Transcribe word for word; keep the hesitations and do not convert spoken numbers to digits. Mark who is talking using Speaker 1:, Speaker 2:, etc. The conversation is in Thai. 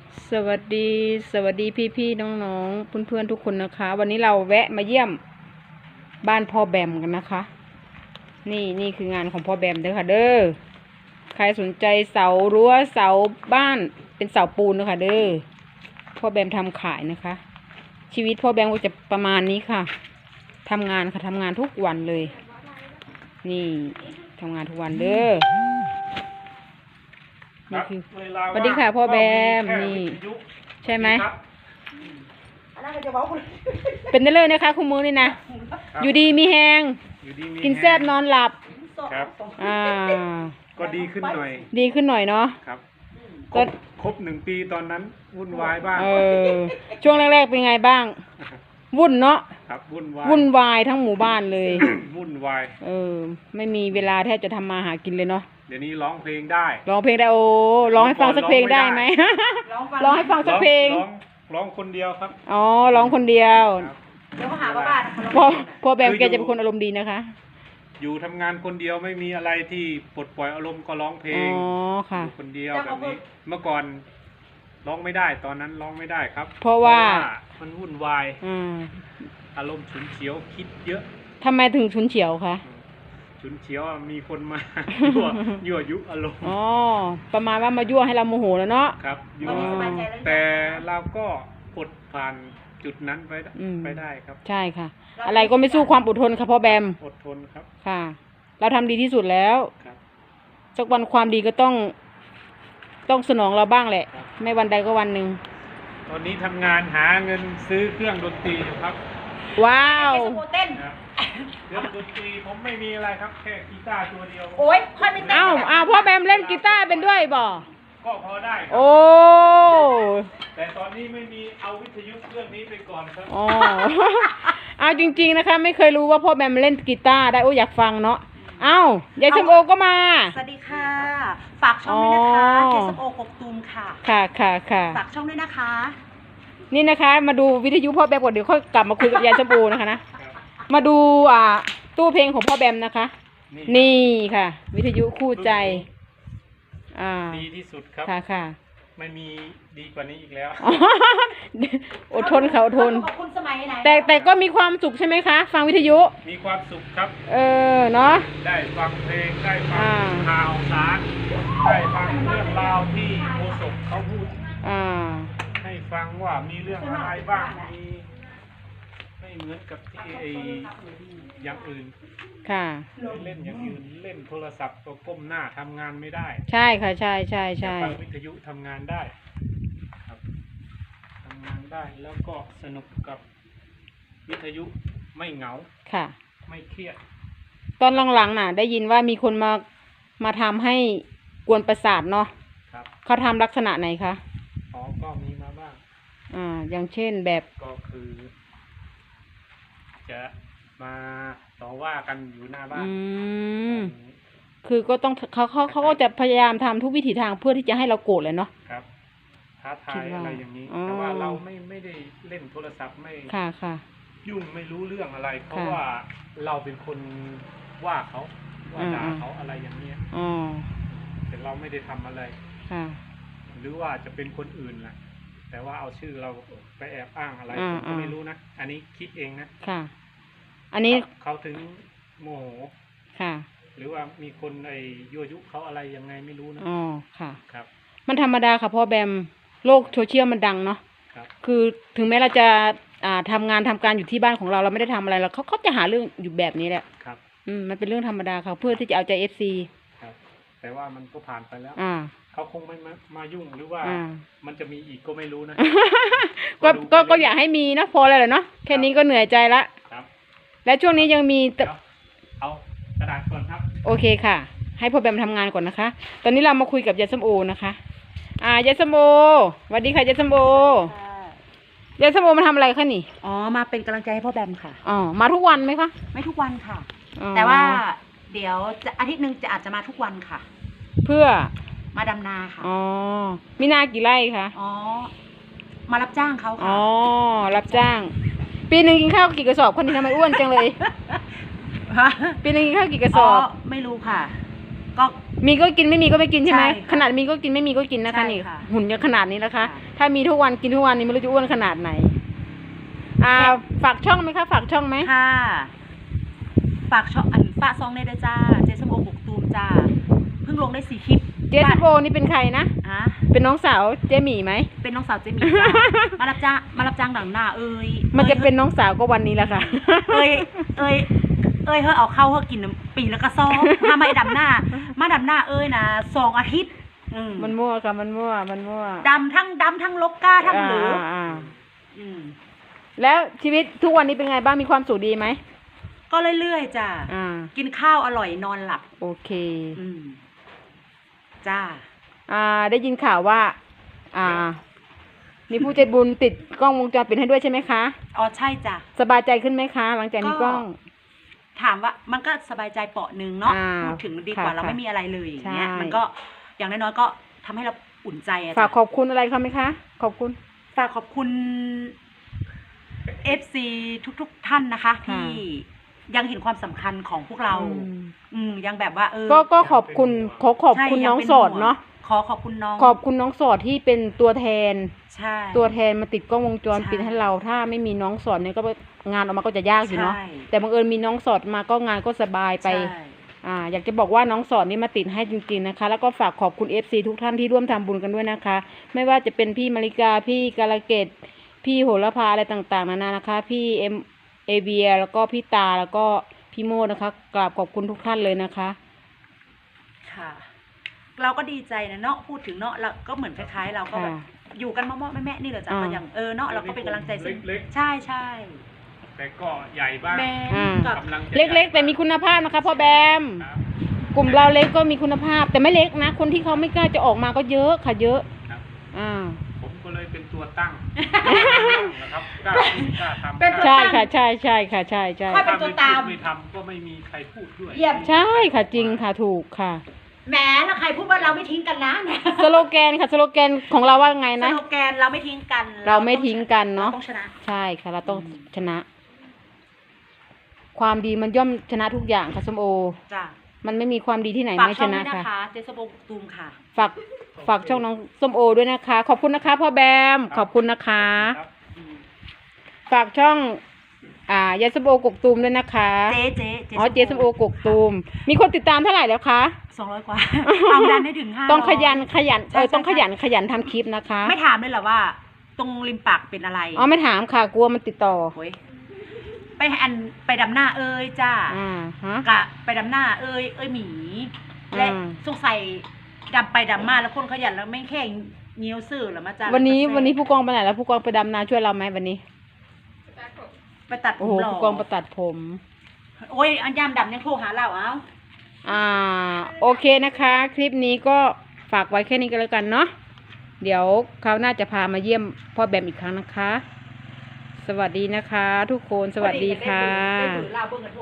Speaker 1: สวัสดีสวัสดีพี่พี่น้องน้องเพื่อนเพื่อนทุกคนนะคะ วันนี้เราแวะมาเยี่ยมบ้านพ่อแบมกันนะคะ นี่นี่คืองานของพ่อแบมเด้อค่ะเด้อใครสนใจเสารั้วเสาบ้านเป็นเสาปูนนะคะเด้อพ่อแบมทำขายนะคะ ชีวิตพ่อแบมก็จะประมาณนี้ค่ะทำงานค่ะทำงานทุกวันเลย นี่ทำงานทุกวันเด้อนี่คือสวัสดีค่ะพ่อแบมนี่ใช่ไหมเป็นได้เลยนะคะคุณมือนี่นะอยู่ดีมีแหงกินแซ่บนอนหลับ
Speaker 2: ครับ
Speaker 1: อ่า
Speaker 2: ก็ดีขึ้นหน่อย
Speaker 1: ดีขึ้นหน่อยเนาะ
Speaker 2: ครับครบครบหนึ่งปีตอนนั้นวุ่นวายบ้าง
Speaker 1: เออช่วงแรกๆเป็นไงบ้างวุ่นเนาะ
Speaker 2: ครับวุ่นวาย
Speaker 1: วุ่นวายทั้งหมู่บ้านเลย
Speaker 2: วุ่นวาย
Speaker 1: เออไม่มีเวลาแทบจะทำมาหากินเลยเนาะ
Speaker 2: เดี๋ยวนี้ร้องเพลงได้
Speaker 1: ร้องเพลงได้โอ้ร้องให้ฟังสักเพลงได้ไหมร้องให้ฟังสักเพลง
Speaker 2: ร้องร้องคนเดียวครับ
Speaker 1: อ๋อร้องคนเดียว
Speaker 3: เดี๋ยวเขาหาว่าบ้าน
Speaker 1: พ่อพ่อแบมแกจะเป็นคนอารมณ์ดีนะคะ
Speaker 2: อยู่ทำงานคนเดียวไม่มีอะไรที่ปลดปล่อยอารมณ์ก็ร้องเพลง
Speaker 1: อ๋อค่ะ
Speaker 2: คนเดียวแบบนี้เมื่อก่อนร้องไม่ได้ตอนนั้นร้องไม่ได้ครับ
Speaker 1: เพราะว่า
Speaker 2: มันวุ่นวายอารมณ์ฉุนเฉียวคิดเยอะ
Speaker 1: ทำไมถึงฉุนเฉียวคะ
Speaker 2: ฉุนเฉียวมีคนมายั่วยั่วยุอารมณ์
Speaker 1: อ๋อประมาณว่ามายั่วให้เราโมโหแล้วเนาะ
Speaker 2: ครับยั่วแต่เราก็อดผ่านจุดนั้นไปไปได้ครับ
Speaker 1: ใช่ค่ะอะไรก็ไม่สู้ความอดทนค่ะพ่อแบม
Speaker 2: อดทนครับ
Speaker 1: ค่ะเราทำดีที่สุดแล้วสักวันความดีก็ต้องต้องสนองเราบ้างแหละไม่วันใดก็วันหนึ่ง
Speaker 2: ตอนนี้ทำงานหาเงินซื้อเครื่องดนตรีอยู่ครับ
Speaker 1: ว้าว
Speaker 3: เต้น
Speaker 2: เครื่องดนตรีผมไม่มีอะไรครับแค่กีตาร์ตัวเดียว
Speaker 3: โอ้ยค่อยไม่เต้น
Speaker 1: อ้าวอ้าวพ่อแบมเล่นกีตาร์เป็นด้วยบ่
Speaker 2: ก็พอได้
Speaker 1: โอ้
Speaker 2: แต่ตอนนี้ไม่มีเอาวิทยุเครื่องนี้ไปก่อนครับ
Speaker 1: อ๋อเอาจริงๆนะคะไม่เคยรู้ว่าพ่อแบมเล่นกีตาร์ได้โอ้อยากฟังเนาะเอ้ายายชมโอก็มา
Speaker 3: สวัสดีค่ะฝากช่องด้วยนะคะเจสมโอกกตูมค่ะ
Speaker 1: ค่ะค่ะค่ะ
Speaker 3: ฝากช่องด้วยนะคะ
Speaker 1: นี่นะคะมาดูวิทยุพ่อแบมก่อนเดี๋ยวค่อยกลับมาคุยกับยายชมโอนะคะนะมาดูอ่าตู้เพลงของพ่อแบมนะคะนี่ค่ะวิทยุคู่ใจอ่า
Speaker 2: ดีที่สุดครับ
Speaker 1: ค่ะค่ะ
Speaker 2: ไม่มีดีกว่านี้อีกแล้ว
Speaker 1: อดทนเขาอดทนแต่แต่ก็มีความสุขใช่ไหมคะฟังวิทยุ
Speaker 2: มีความสุขครับ
Speaker 1: เออเนาะ
Speaker 2: ได้ฟังเพลงได้ฟังข่าวสารได้ฟังเรื่องราวที่โฆษกเขาพูดให้ฟังว่ามีเรื่องอะไรบ้างมีไม่เหมือนกับที่ไออย่างอื่น
Speaker 1: ค่ะ
Speaker 2: เล่นอย่างอื่นเล่นโทรศัพท์ก็ก้มหน้าทำงานไม่ได้
Speaker 1: ใช่ค่ะใช่ใช่ใช่
Speaker 2: ฟังวิทยุทำงานได้ครับทำงานได้แล้วก็สนุกกับวิทยุไม่เหงา
Speaker 1: ค่ะ
Speaker 2: ไม่เครียด
Speaker 1: ตอนหลังๆน่ะได้ยินว่ามีคนมามาทำให้กวนประสาทเนาะ
Speaker 2: ครับ
Speaker 1: เขาทำลักษณะไหนคะ
Speaker 2: อ๋อก็มีมาบ้าง
Speaker 1: อ่าอย่างเช่นแบบ
Speaker 2: ก็คือจะมาต่อว่ากันอยู่หน้าบ้าน
Speaker 1: อืมคือก็ต้องเขาเขาเขาก็จะพยายามทำทุกวิถีทางเพื่อที่จะให้เราโกรธเลยเนาะ
Speaker 2: ครับท้าทายอะไรอย่างนี้แต่ว่าเราไม่ไม่ได้เล่นโทรศัพท์ไม่
Speaker 1: ค่ะค่ะ
Speaker 2: ยุ่งไม่รู้เรื่องอะไรเพราะว่าเราเป็นคนว่าเขาว่าด่าเขาอะไรอย่างเนี้ย
Speaker 1: อ๋อ
Speaker 2: แต่เราไม่ได้ทำอะไร
Speaker 1: ค่ะ
Speaker 2: หรือว่าจะเป็นคนอื่นแหละแต่ว่าเอาชื่อเราไปแอบอ้างอะไรผมก็ไม่รู้นะอันนี้คิดเองนะ
Speaker 1: ค่ะอันนี้
Speaker 2: เขาถึงโมโห
Speaker 1: ค่ะ
Speaker 2: หรือว่ามีคนไอ้ยั่วยุเขาอะไรยังไงไม่รู้นะ
Speaker 1: อ๋อค่ะ
Speaker 2: ครับ
Speaker 1: มันธรรมดาค่ะพ่อแบมโลกโซเชียลมันดังเนาะ
Speaker 2: ครับ
Speaker 1: คือถึงแม้เราจะอ่าทำงานทำการอยู่ที่บ้านของเราเราไม่ได้ทำอะไรเราเขาเขาจะหาเรื่องอยู่แบบนี้แหละ
Speaker 2: ครับ
Speaker 1: อืมมันเป็นเรื่องธรรมดาค่ะเพื่อที่จะเอาใจเอฟซี
Speaker 2: ครับแต่ว่ามันก็ผ่านไปแล้ว
Speaker 1: อ่า
Speaker 2: เขาคงไม่มามายุ่งหรือว่ามันจะมีอีกก็ไม่รู้นะ
Speaker 1: ก็ก็ก็อยากให้มีนะพอแล้วเนาะแค่นี้ก็เหนื่อยใจละและช่วงนี้ยังมี
Speaker 2: เอากระดาษก่อนครับ
Speaker 1: โอเคค่ะให้พ่อแบมทำงานก่อนนะคะตอนนี้เรามาคุยกับยายส้มโอนะคะอ่ายายส้มโอสวัสดีค่ะยายส้มโอยายส้มโอมาทำอะไรคะนี่
Speaker 3: อ๋อมาเป็นกำลังใจให้พ่อแบมค่ะ
Speaker 1: อ๋อมาทุกวันไหมคะ
Speaker 3: ไม่ทุกวันค่ะแต่ว่าเดี๋ยวจะอาทิตย์หนึ่งจะอาจจะมาทุกวันค่ะ
Speaker 1: เพื่อ
Speaker 3: มาดำนาค่ะ
Speaker 1: อ๋อมีนากี่ไร่คะ
Speaker 3: อ๋อมารับจ้างเขาค่ะ
Speaker 1: อ๋อรับจ้างปีหนึ่งกินข้าวกี่กระสอบคนนี้ทำไมอ้วนจังเลยปีหนึ่งกินข้าวกี่กระสอบ
Speaker 3: ไม่รู้ค่ะก็
Speaker 1: มีก็กินไม่มีก็ไม่กินใช่ไหม
Speaker 3: ใช่ค่ะ
Speaker 1: ขนาดมีก็กินไม่มีก็กินนะคะ
Speaker 3: ใช่
Speaker 1: นี่
Speaker 3: ค่ะ
Speaker 1: หุ่นยังขนาดนี้นะคะ
Speaker 3: ค่ะ
Speaker 1: ถ้ามีทุกวันกินทุกวันนี้ไม่รู้จะอ้วนขนาดไหน อ่า ฝากช่องไหมคะ ฝากช่องไหม
Speaker 3: ค่ะ ฝากช่องอันฝากซองในเด้อจ้า เจสมโอกกตูมจ้า เพิ่งลงได้สี่คลิป
Speaker 1: เจสโบนี่เป็นใครนะ
Speaker 3: ฮะ
Speaker 1: เป็นน้องสาวเจหมี่ไหม
Speaker 3: เป็นน้องสาวเจมี่จ้า มารับจ้างมารับจ้างดังหน้า เอ้ย
Speaker 1: มันจะเป็นน้องสาวก็วันนี้แหละค่ะ
Speaker 3: เอ้ย เอ้ย เอ้ยเฮ้ยเอาเข้าเฮ้ยกินปีแล้วก็ซ้อมถ้าไม่ดำหน้า มาดำหน้าเอ้ยนะสองอาทิตย์อืม
Speaker 1: มันมั่วค่ะ มันมั่ว มันมั่ว
Speaker 3: ดำทั้งดำทั้งลกก้าทั้งเหลือ
Speaker 1: าา
Speaker 3: อืม
Speaker 1: แล้วชีวิตทุกวันนี้เป็นไงบ้าง มีความสุขดีไหม
Speaker 3: ก็เรื่อยๆจ้า
Speaker 1: อ่า
Speaker 3: กินข้าวอร่อยนอนหลับ
Speaker 1: โอเค
Speaker 3: อืม จ้า
Speaker 1: อ่า ได้ยินข่าวว่า อ่า มีผู้ใจบุญติดกล้องวงจรปิดให้ด้วยใช่ไหมคะ
Speaker 3: อ๋อใช่จ้ะ
Speaker 1: สบายใจขึ้นไหมคะ หลังจากมีกล้อง
Speaker 3: ถามว่ามันก็สบายใจเปาะหนึ่งเนาะ
Speaker 1: อ่า
Speaker 3: พูดถึงดีกว่า
Speaker 1: ค่ะ
Speaker 3: เราไม่มีอะไรเลยอย่างเงี้ย
Speaker 1: ใช่
Speaker 3: มันก็อย่างน้อยๆก็ทำให้เราอุ่นใจอะ
Speaker 1: ฝาก
Speaker 3: จ้ะ
Speaker 1: ขอบคุณอะไรเขาไหมคะ ขอบคุณ
Speaker 3: ฝากขอบคุณ เอฟ ซี ทุกๆท่านนะคะ
Speaker 1: ค่ะ
Speaker 3: ที่ยังเห็นความสำคัญของพวกเรา
Speaker 1: อืม
Speaker 3: อืมยังแบบว่าเออ
Speaker 1: ก็ก็ขอบคุณขอขอบ
Speaker 3: ใช่
Speaker 1: คุณ
Speaker 3: ยั
Speaker 1: น้อง
Speaker 3: ป็
Speaker 1: โสดเนาะ
Speaker 3: ขอขอบคุณน้อง
Speaker 1: ขอบคุณน้องโสดที่เป็นตัวแทน
Speaker 3: ใช่
Speaker 1: ตัวแทนมาติดกล้องวงจรปิด
Speaker 3: ใช่
Speaker 1: ให้เรา ถ้าไม่มีน้องโสดเนี่ยก็งานออกมาก็จะยากอยู่เนาะ
Speaker 3: ใช่
Speaker 1: แต่บังเอิญมีน้องโสดมาก็งานก็สบายไป
Speaker 3: ใช่
Speaker 1: อ่า อยากจะบอกว่าน้องสอนนี่มาติดให้จริงๆนะคะ แล้วก็ฝากขอบคุณ เอฟ ซี ทุกท่านที่ร่วมทำบุญกันด้วยนะคะ ไม่ว่าจะเป็นพี่มาริกา พี่กาลเกต พี่โหระพาอะไรต่างๆนานานะคะ พี่เอ็มเอเบียแล้วก็พี่ตาแล้วก็พี่โมดนะคะกราบขอบคุณทุกท่านเลยนะคะ
Speaker 3: ค่ะ เราก็ดีใจนะเนาะพูดถึงเนาะเราก็เหมือนคล้ายๆ เราก็แบบ
Speaker 1: ค่ะ
Speaker 3: อยู่กันมอๆแม่ๆนี่เหรอจ้ะ
Speaker 1: อ่า
Speaker 3: ก็อย่างเออเนาะเราก็เป็นกำลังใจซึ่ง
Speaker 2: เล็ก
Speaker 3: ใช่ใช่
Speaker 2: ๆ แต่ก็ใหญ่บ้าง
Speaker 3: แม่
Speaker 1: อ่า
Speaker 3: กับ
Speaker 2: กำลังจะ
Speaker 1: เล็กๆ แต่มีคุณภาพนะคะพ่อแบม
Speaker 2: ครับ
Speaker 1: กลุ่มเราเล็กก็มีคุณภาพ แต่ไม่เล็กนะ คนที่เขาไม่กล้าจะออกมาก็เยอะค่ะเยอะ
Speaker 2: ครับ
Speaker 1: อ่า
Speaker 2: ผมก็เลยเป็นตัวตั้งนะครับกล้าพูดกล้าทำ
Speaker 3: เป็นตัว
Speaker 1: ใช่
Speaker 3: ตั้ง
Speaker 1: ค่ะใช่ใช่ค่ะใช่ใช่
Speaker 3: ค่อย เป็นตัวตาม
Speaker 2: ถ้ไม่พูดไม่ทำก็ไม่มีใครพูดด้วย
Speaker 3: เยี่ยม
Speaker 1: ใช่ค่ะจริงค่ะถูกค่ะ
Speaker 3: แหมแล้วใครพูดว่าเราไม่ทิ้งกันนะ
Speaker 1: สโลแกนค่ะสโลแกนของเราว่าไง
Speaker 3: ส
Speaker 1: นะ
Speaker 3: โลแกนเราไม่ทิ้งกัน
Speaker 1: เราไม่ทิ้งกันเนาะ
Speaker 3: รต้องชนะ
Speaker 1: ใช่ค่ะ เราต้อง
Speaker 3: อืม
Speaker 1: ชนะ ความดีมันย่อมชนะทุกอย่างค่ะส้มโอ
Speaker 3: จ้ะ
Speaker 1: มันไม่มีความดีที่ไหน
Speaker 3: ฝาก
Speaker 1: ไม่
Speaker 3: ช่
Speaker 1: ช
Speaker 3: อง
Speaker 1: นะ
Speaker 3: ด้วยนะ
Speaker 1: ค่ะ
Speaker 3: คะเจสโบตูมค่ะ
Speaker 1: ฝากฝากช่องน้องส้มโอด้วยนะคะ ขอบคุณนะคะพ่อแบม ขอบคุณนะคะ
Speaker 2: ครับ
Speaker 1: ฝากช่อง อ่ายายส้มโอกกตูมด้วยนะคะ
Speaker 3: เจ๊เจ๊
Speaker 1: อ๋อเจส้มโอกกตูม มีคนติดตามเท่าไหร่แล้วคะ
Speaker 3: สองร้อยกว่า เอาดันให้ถึงห้า
Speaker 1: ต้องขยันขยัน
Speaker 3: ใช่
Speaker 1: เออต้อง
Speaker 3: ใช่
Speaker 1: ขยันขยันทำคลิปนะคะ
Speaker 3: ไม่ถามเลยเหรอว่า ตรงริมปากเป็นอะไร
Speaker 1: อ๋อไม่ถามค่ะกลัวมันติดต่อ
Speaker 3: โอ้ยไปอันไปดำหน้าเอ้ยจ้า
Speaker 1: อ่าฮะ
Speaker 3: กะไปดำหน้าเอ้ยเอ้ยหมี และ
Speaker 1: อ่า
Speaker 3: สงสัยดำไปดำมาแล้วคนขยันแล้วไม่แค่เงี้ยวซื่อหรอมาจ้า
Speaker 1: วันนี้
Speaker 3: แล้วก็
Speaker 1: วันนี้ผู้กองไปไหนแล้วผู้กองไปดำนาช่วยเราไหมวันนี้
Speaker 3: ไปตัดผ
Speaker 1: โอ้
Speaker 3: ม
Speaker 1: โห
Speaker 3: หล่อ
Speaker 1: ผู้กองไปตัดผม
Speaker 3: โอ้ยอันยามดำยังโทรหาเราเอ้า
Speaker 1: อ่า โอเคนะคะ คลิปนี้ก็ฝากไว้แค่นี้ก็แล้วกันเนาะเดี๋ยวเขาวหน่าจะพามาเยี่ยมพ่อแบมอีกครั้งนะคะ สวัสดีนะคะ ทุกคนสวัสดีค่ะ
Speaker 3: ได้เบอร์เราเบอร์กัน